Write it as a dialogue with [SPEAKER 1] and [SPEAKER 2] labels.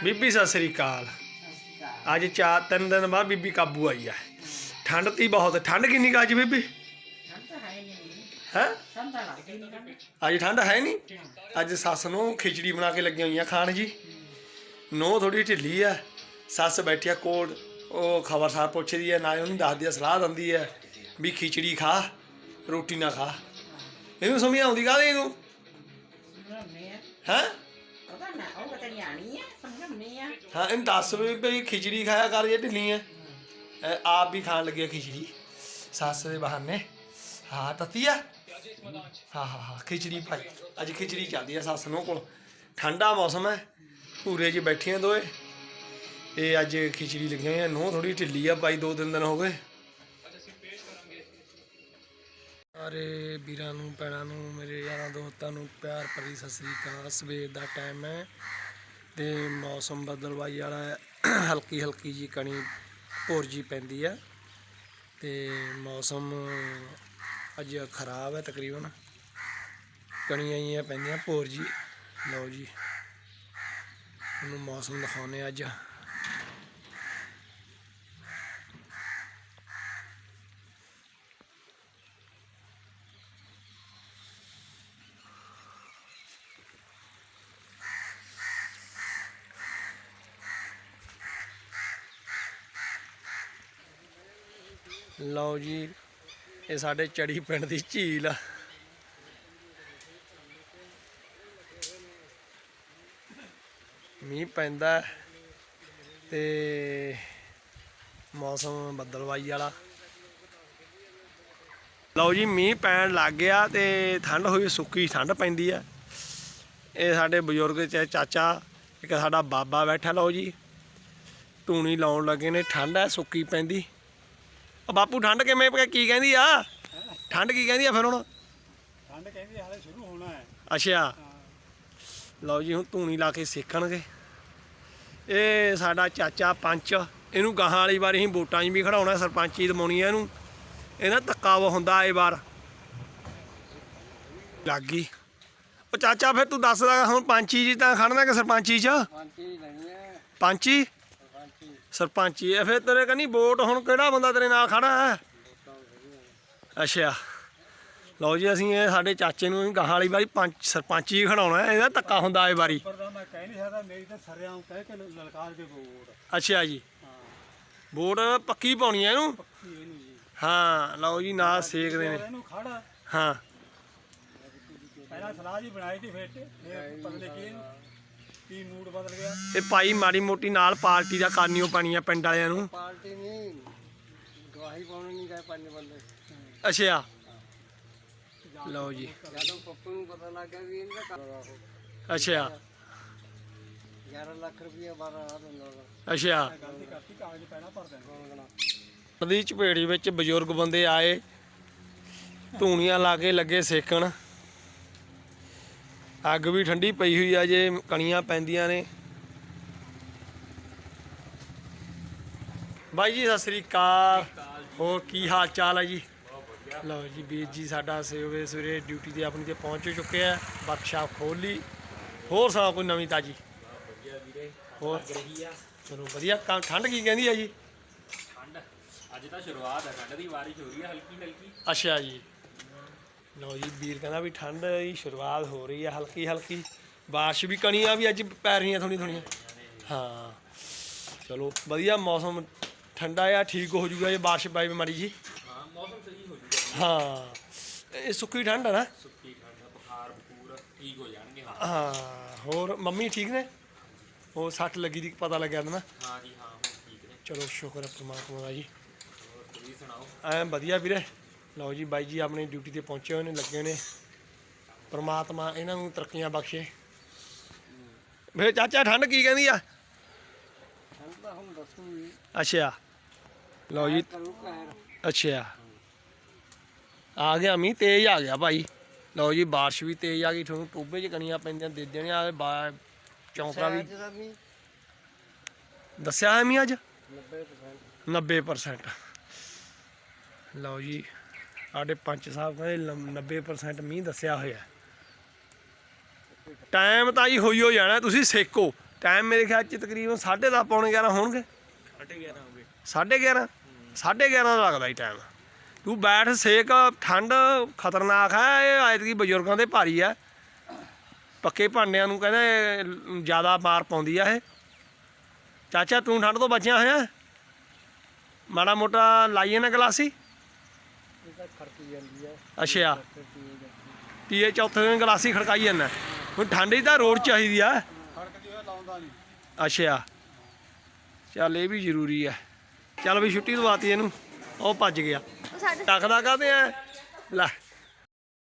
[SPEAKER 1] ਬੀਬੀ ਸਤਿ ਸ੍ਰੀ ਅਕਾਲ। ਅੱਜ 4-3 ਦਿਨ ਬਾਅਦ ਬੀਬੀ ਕਾਬੂ ਆਈ ਆ। ਠੰਡ ਤੀ ਬਹੁਤ। ਠੰਡ ਕਿੰਨੀ ਕੁ ਅੱਜ ਬੀਬੀ? ਹੈ ਅੱਜ ਠੰਡ ਹੈ ਨਹੀਂ। ਅੱਜ ਸੱਸ ਨੂੰ ਖਿਚੜੀ ਬਣਾ ਕੇ ਲੱਗੀਆਂ ਹੋਈਆਂ ਖਾਣ ਜੀ। ਨੂੰਹ ਥੋੜੀ ਢਿੱਲੀ ਆ। ਸੱਸ ਬੈਠੀ ਆ ਕੋਲ, ਉਹ ਖਬਰਸਾਰ ਪੁੱਛਦੀ ਹੈ, ਨਾਲੇ ਉਹਨੂੰ ਦੱਸਦੀ ਆ, ਸਲਾਹ ਦਿੰਦੀ ਹੈ ਵੀ ਖਿਚੜੀ ਖਾ, ਰੋਟੀ ਨਾ ਖਾ। ਇਹਨੂੰ ਸਮਝ ਆਉਂਦੀ ਕਾਹਦੀ ਇਹਨੂੰ? ਹੈਂ? ਹਾਂ, ਇਹਨੂੰ ਦੱਸ ਵੀ ਭਈ ਖਿਚੜੀ ਖਾਇਆ ਕਰ ਜੇ ਢਿੱਲੀ ਹੈ। ਆਪ ਵੀ ਖਾਣ ਲੱਗੇ ਖਿਚੜੀ ਸੱਸ ਦੇ ਬਹਾਨੇ। ਹਾਂ ਤਤੀ ਆ। ਹਾਂ ਖਿਚੜੀ ਭਾਈ ਅੱਜ ਖਿਚੜੀ ਚੱਲਦੀ ਆ ਸੱਸ ਨੂੰ ਕੋਲ। ਠੰਡਾ ਮੌਸਮ ਹੈ, ਭੂਰੇ 'ਚ ਬੈਠੀਆਂ ਦੋਏ। ਇਹ ਅੱਜ ਖਿਚੜੀ ਲੱਗੀਆਂ ਹੋਈਆਂ। ਨੂੰਹ ਥੋੜੀ ਢਿੱਲੀ ਆ ਭਾਈ, 2-3 ਦਿਨ ਹੋ ਗਏ। ਸਾਰੇ ਵੀਰਾਂ ਨੂੰ, ਭੈਣਾਂ ਨੂੰ, ਮੇਰੇ ਯਾਰਾਂ ਦੋਸਤਾਂ ਨੂੰ ਪਿਆਰ ਭਰੀ ਸਤਿ ਸ੍ਰੀ ਅਕਾਲ। ਸਵੇਰ ਦਾ ਟਾਈਮ ਹੈ ਤੇ ਮੌਸਮ ਬਦਲਵਾਈ ਵਾਲਾ ਹੈ। ਹਲਕੀ ਹਲਕੀ ਜੀ ਕਣੀ ਭੁਰ ਜੀ ਪੈਂਦੀ ਹੈ ਤੇ ਮੌਸਮ ਅੱਜ ਖਰਾਬ ਹੈ। ਤਕਰੀਬਨ ਕਣੀਆਂ ਜਿਹੀਆਂ ਪੈਂਦੀਆਂ ਭੁਰ ਜੀ। ਲਓ ਜੀ ਉਹਨੂੰ ਮੌਸਮ ਦਿਖਾਉਂਦੇ ਅੱਜ। ਲਓ ਜੀ ਇਹ ਸਾਡੇ ਚੜੀ ਪਿੰਡ ਦੀ ਝੀਲ ਆ। ਮੀਂਹ ਪੈਂਦਾ ਤੇ ਮੌਸਮ ਬੱਦਲਵਾਈ ਵਾਲਾ। ਲਓ ਜੀ ਮੀਂਹ ਪੈਣ ਲੱਗ ਗਿਆ ਤੇ ਠੰਡ ਹੋਈ, ਸੁੱਕੀ ਠੰਡ ਪੈਂਦੀ ਆ। ਇਹ ਸਾਡੇ ਬਜ਼ੁਰਗ ਚਾਚਾ, ਇੱਕ ਸਾਡਾ ਬਾਬਾ ਬੈਠਾ। ਲਓ ਜੀ ਧੂਣੀ ਲਾਉਣ ਲੱਗੇ ਨੇ। ਠੰਡ ਹੈ, ਸੁੱਕੀ ਪੈਂਦੀ। ਬਾਪੂ ਠੰਡ ਕਿਵੇਂ ਕੀ ਕਹਿੰਦੀ ਆ? ਠੰਡ ਕੀ ਕਹਿੰਦੀ ਆ ਫਿਰ ਹੁਣ?
[SPEAKER 2] ਠੰਡ ਕਹਿੰਦੀ ਹਾਲੇ ਸ਼ੁਰੂ ਹੋਣਾ ਹੈ।
[SPEAKER 1] ਅੱਛਾ ਲਓ ਜੀ ਹੁਣ ਧੂਣੀ ਲਾ ਕੇ ਸੇਕਣਗੇ। ਇਹ ਸਾਡਾ ਚਾਚਾ ਪੰਚ, ਇਹਨੂੰ ਗਾਹਾਂ ਵਾਲੀ ਵਾਰ ਅਸੀਂ ਵੋਟਾਂ 'ਚ ਵੀ ਖੜਾਉਣਾ, ਸਰਪੰਚੀ ਦਵਾਉਣੀ ਆ ਇਹਨੂੰ। ਇਹਦਾ ਧੱਕਾ ਵਾ ਹੁੰਦਾ ਇਹ ਵਾਰ ਲੱਗ ਗਈ। ਉਹ ਚਾਚਾ ਫਿਰ ਤੂੰ ਦੱਸਦਾ ਹੁਣ ਪੰਚੀ 'ਚ ਤਾਂ ਖੜਨਾ ਕਿ ਸਰਪੰਚੀ 'ਚ? ਪੰਚੀ ਸਰਪੰਚੀ ਹੈ। ਫਿਰ ਤੇਰੇ ਕਹਿੰਦੀ ਵੋਟ ਹੁਣ ਕਿਹੜਾ ਬੰਦਾ ਤੇਰੇ ਨਾਲ ਖੜਾ ਹੈ? ਅੱਛਾ ਲਓ ਜੀ ਅਸੀਂ ਇਹ ਸਾਡੇ ਚਾਚੇ ਨੂੰ ਗਾਹਾਂ ਵਾਲੀ ਵਾਰੀ ਸਰਪੰਚੀ ਖੜਾਉਣਾ। ਇਹਦਾ ਧੱਕਾ ਹੁੰਦਾ ਇਹ ਵਾਰੀ। ਅੱਛਾ ਜੀ ਵੋਟ ਪੱਕੀ ਪਾਉਣੀ ਹੈ ਇਹਨੂੰ। ਹਾਂ ਲਓ ਜੀ ਨਾਲ ਸੇਕਦੇ ਨੇ। ਹਾਂ ਇਹ ਭਾਈ ਮਾੜੀ ਮੋਟੀ ਨਾਲ ਪਾਰਟੀ ਦਾ ਕਰਨੀ ਓ ਪੈਣੀ ਆ ਪਿੰਡ ਵਾਲਿਆਂ ਨੂੰ। ਅੱਛਾ ਲਓ ਜੀ ਅੱਛਾ ਅੱਛਾ ਨਦੀ ਝਪੇੜੀ ਵਿੱਚ ਬਜ਼ੁਰਗ ਬੰਦੇ ਆਏ, ਧੂਣੀਆਂ ਲਾ ਕੇ ਲੱਗੇ ਸੇਕਣ। ਅੱਗ ਵੀ ਠੰਡੀ ਪਈ ਹੋਈ ਆ, ਜੇ ਕਣੀਆਂ ਪੈਂਦੀਆਂ ਨੇ। ਬਾਈ ਜੀ ਸਤਿ ਸ੍ਰੀ ਅਕਾਲ। ਹੋਰ ਕੀ ਹਾਲ ਚਾਲ ਹੈ ਜੀ? ਲਓ ਜੀ ਵੀਰ ਜੀ ਸਾਡਾ ਸਵੇਰੇ ਸਵੇਰੇ ਡਿਊਟੀ 'ਤੇ ਆਪਣੀ 'ਤੇ ਪਹੁੰਚ ਚੁੱਕੇ ਆ। ਵਰਕਸ਼ਾਪ ਖੋਲ੍ਹ ਲਈ। ਹੋਰ ਸੁਣਾਓ ਕੋਈ ਨਵੀਂ ਤਾਜੀ? ਹੋਰ ਚਲੋ ਵਧੀਆ। ਠੰਡ ਕੀ ਕਹਿੰਦੀ ਆ ਜੀ?
[SPEAKER 3] ਠੰਡ ਅੱਜ ਤਾਂ ਸ਼ੁਰੂਆਤ ਹੈ ਠੰਡ ਦੀ, ਬਾਰਿਸ਼ ਹੋ ਰਹੀ ਹੈ ਹਲਕੀ ਹਲਕੀ।
[SPEAKER 1] ਅੱਛਾ ਜੀ ਲਓ ਜੀ ਵੀਰ ਕਹਿੰਦਾ ਵੀ ਠੰਡ ਦੀ ਸ਼ੁਰੂਆਤ ਹੋ ਰਹੀ ਹੈ ਹਲਕੀ ਹਲਕੀ। ਬਾਰਿਸ਼ ਵੀ ਕਣੀਆਂ ਵੀ ਅੱਜ ਪੈ ਰਹੀਆਂ ਥੋੜ੍ਹੀਆਂ ਥੋੜ੍ਹੀਆਂ। ਹਾਂ ਚਲੋ ਵਧੀਆ ਮੌਸਮ ਠੰਡਾ ਆ, ਠੀਕ ਹੋ ਜੂਗਾ ਜੇ ਬਾਰਿਸ਼ ਪਈ ਮਾੜੀ ਜੀ।
[SPEAKER 3] ਹਾਂ ਮੌਸਮ ਸਹੀ ਹੋ ਜੂਗਾ।
[SPEAKER 1] ਹਾਂ ਇਹ ਸੁੱਕੀ ਠੰਡ ਆ ਨਾ।
[SPEAKER 3] ਸੁੱਕੀ ਠੰਡ, ਬੁਖਾਰ ਬਖੂਰ ਠੀਕ ਹੋ ਜਾਣਗੇ।
[SPEAKER 1] ਹਾਂ ਹੋਰ ਮੰਮੀ ਠੀਕ ਨੇ? ਉਹ ਸੱਟ ਲੱਗੀ ਦੀ ਪਤਾ ਲੱਗਿਆ ਨਾ?
[SPEAKER 3] ਹਾਂ ਜੀ ਹਾਂ ਹੁਣ ਠੀਕ ਨੇ।
[SPEAKER 1] ਚਲੋ ਸ਼ੁਕਰ ਹੈ ਪਰਮਾਤਮਾ ਦਾ ਜੀ।
[SPEAKER 3] ਹੋਰ ਤੁਸੀਂ ਸੁਣਾਓ?
[SPEAKER 1] ਐਂ ਵਧੀਆ ਵੀਰੇ। ਲਓ ਜੀ ਬਾਈ ਜੀ ਆਪਣੀ ਡਿਊਟੀ 'ਤੇ ਪਹੁੰਚੇ ਹੋਏ ਨੇ, ਲੱਗੇ ਨੇ। ਪਰਮਾਤਮਾ ਇਹਨਾਂ ਨੂੰ ਤਰੱਕੀਆਂ ਬਖਸ਼ੇ। ਫਿਰ ਚਾਚਾ ਠੰਡ ਕੀ ਕਹਿੰਦੀ ਆ? ਅੱਛਾ ਲਓ ਜੀ ਅੱਛਾ ਆ ਗਿਆ ਮੀਂਹ, ਤੇਜ਼ ਆ ਗਿਆ ਭਾਈ। ਲਓ ਜੀ ਬਾਰਿਸ਼ ਵੀ ਤੇਜ਼ ਆ ਗਈ। ਤੁਹਾਨੂੰ ਟੋਭੇ 'ਚ ਕਣੀਆਂ ਪੈਂਦੀਆਂ ਦੇ ਦੇਣੀਆਂ। ਚੌਂਕਾ ਵੀ ਦੱਸਿਆ ਹੈ ਮੀਂਹ ਅੱਜ 90%। ਲਓ ਜੀ ਸਾਡੇ ਪੰਚ ਸਾਹਿਬ ਕਹਿੰਦੇ 90% ਮੀਂਹ ਦੱਸਿਆ ਹੋਇਆ। ਟਾਈਮ ਤਾਂ ਜੀ ਹੋਈ ਹੋ ਜਾਣਾ। ਤੁਸੀਂ ਸੇਕੋ ਟਾਈਮ ਮੇਰੇ ਖਿਆਲ 'ਚ ਤਕਰੀਬਨ 10:30 ਪੌਣੇ 11 ਹੋਣਗੇ।
[SPEAKER 3] 11:30 ਹੋ ਗਏ।
[SPEAKER 1] 11:30 11:30 ਦਾ ਲੱਗਦਾ ਜੀ ਟਾਈਮ। ਤੂੰ ਬੈਠ ਸੇਕ, ਠੰਡ ਖਤਰਨਾਕ ਹੈ ਇਹ, ਐਤਕੀ ਬਜ਼ੁਰਗਾਂ ਦੇ ਭਾਰੀ ਆ, ਪੱਕੇ ਭਾਂਡਿਆਂ ਨੂੰ ਕਹਿੰਦੇ ਜ਼ਿਆਦਾ ਮਾਰ ਪਾਉਂਦੀ ਆ ਇਹ। ਚਾਚਾ ਤੂੰ ਠੰਡ ਤੋਂ ਬਚਿਆ ਹੋਇਆ? ਮਾੜਾ ਮੋਟਾ ਲਾਈਏ ਨਾ ਗਲਾਸੀ। ਅੱਛਾ ਤੀਏ ਚੌਥੇ ਦਿਨ ਗਲਾਸੀ ਖੜਕਾਈ ਜਾਂਦਾ। ਹੁਣ ਠੰਡ 'ਚ ਤਾਂ ਰੋਡ ਚਾਹੀਦੀ ਆ।
[SPEAKER 2] ਖੜਕਦੀ ਹੋਇਆ ਲਾਉਂਦਾ ਨਹੀਂ।
[SPEAKER 1] ਅੱਛਾ ਚੱਲ ਇਹ ਵੀ ਜ਼ਰੂਰੀ ਆ। ਚੱਲ ਵੀ ਛੁੱਟੀ ਦਵਾਤੀ ਇਹਨੂੰ, ਉਹ ਭੱਜ ਗਿਆ। ਟੱਕਦਾ ਕਾਹਦੇ ਆ ਲੈ।